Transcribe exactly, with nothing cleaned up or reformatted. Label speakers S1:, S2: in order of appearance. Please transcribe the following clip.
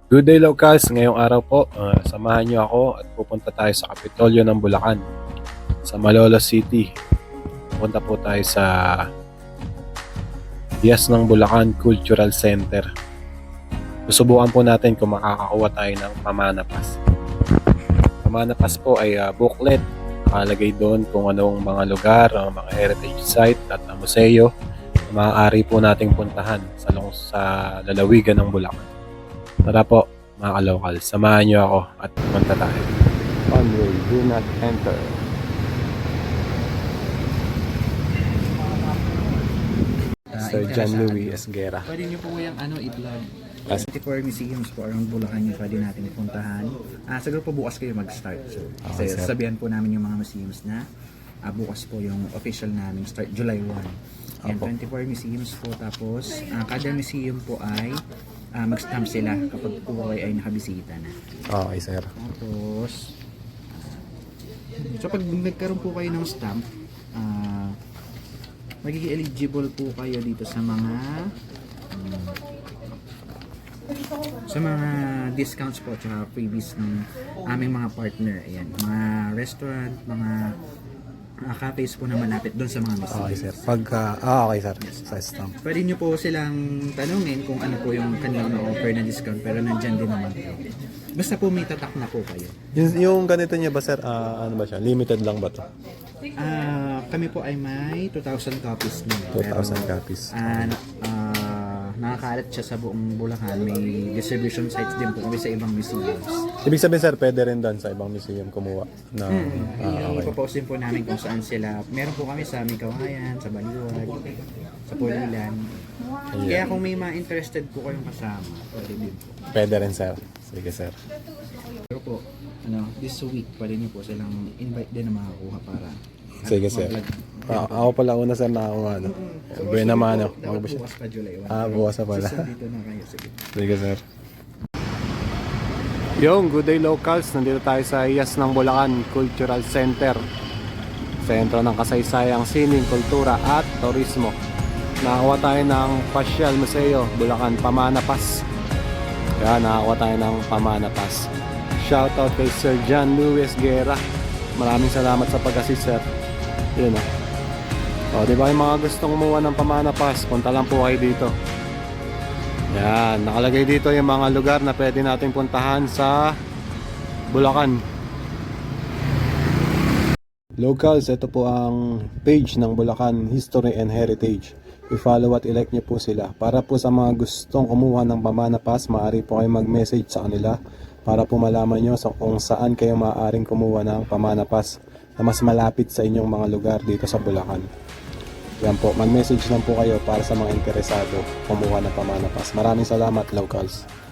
S1: Good day locals, ngayong araw po, uh, samahan niyo ako at pupunta tayo sa Kapitolyo ng Bulacan, sa Malolos City. Pupunta po tayo sa Dias ng Bulacan Cultural Center. Susubukan po natin kung makakakuha tayo ng Pamana Pass. Pamana Pass po ay uh, booklet. Nakalagay doon kung anong mga lugar, uh, mga heritage site at uh, museo na maaari po nating puntahan sa, sa lalawigan ng Bulacan. Tara po mga ka-local, samahan nyo ako at pumunta tayo. On way, do not enter. Sir John Louis Esguera.
S2: Pwede nyo po yung ano, i-vlog. twenty-four museums po around Bulacan yung pwede natin puntahan. Ah, siguro po bukas kayo mag-start. So,
S1: Okay,
S2: kasi
S1: sir.
S2: sabihan po namin yung mga museums na ah, bukas po yung official namin start July first. Yan,
S1: Opo.
S2: twenty-four museums po. Tapos, ah, kada museum po ay ah, mag-stamp sila kapag po kayo ay nakabisita na.
S1: Okay, sir.
S2: Tapos, so pag nagkaroon po kayo ng stamp, ah, magiging eligible po kayo dito sa mga um, sa mga discounts po at freebies ng aming mga partner. Ayan, mga restaurant, mga uh, cafes po na malapit doon sa mga museum.
S1: Okay, sir. Pagka, ah, okay, sir. Sa stamp.
S2: Pwede nyo po silang tanungin kung ano po yung kanilang offer na discount, pero nandyan din naman po. Basta po may tatak na po kayo.
S1: Yung, yung ganito niya ba, sir? Ah, ano ba siya? Limited lang ba to?
S2: Ah, kami po ay may two thousand copies na.
S1: two thousand copies.
S2: Ah, na- ah, nakakalat siya sa buong Bulacan. May distribution sites din po kami sa ibang museums.
S1: Ibig sabihin, sir, pwede rin doon sa ibang museum kumuha. Na,
S2: Hmm.
S1: ah, okay.
S2: Ipopost din po namin kung saan sila. Meron po kami sa Micawayan, sa Baliwag, sa Pulilan. Kaya kung may mga interested po kayong kasama, pwede din po.
S1: Pwede rin, sir. Sige, sir.
S2: Pero po, ano, this week, pwede niyo po silang invite din na makakuha para
S1: Sige, sir.
S2: mag-vlog.
S1: Ah, ako pala una, sir, na ako ano. Buwan naman, ano.
S2: Dapat bukas pa July first.
S1: Ah, bukas na pala.
S2: So, dito na kayo. Sige.
S1: Sige, sir. Yung good day locals, nandito tayo sa Iyas ng Bulacan Cultural Center, sentro ng kasaysayang sining, kultura at turismo. Nakakuha tayo ng Pasyal Museo Bulacan Pamana Pass. Kaya nakakuha tayo ng Pamana Pass. Shoutout kay Sir John Louis Esguera. Maraming salamat sa pag-assist, sir. Yun o. O, di ba yung mga gustong kumuha ng Pamana Pass, punta lang po kayo dito. Yan, nakalagay dito yung mga lugar na pwede nating puntahan sa Bulacan. Locals, ito po ang page ng Bulacan History and Heritage. I-follow at i-like nyo po sila. Para po sa mga gustong kumuha ng Pamana Pass, maaari po kayo mag-message sa kanila para po malaman nyo sa kung saan kayo maaaring kumuha ng Pamana Pass na mas malapit sa inyong mga lugar dito sa Bulacan. Yan po, mag-message lang po kayo para sa mga interesado kumuha ng Pamana Pass. Maraming salamat, locals.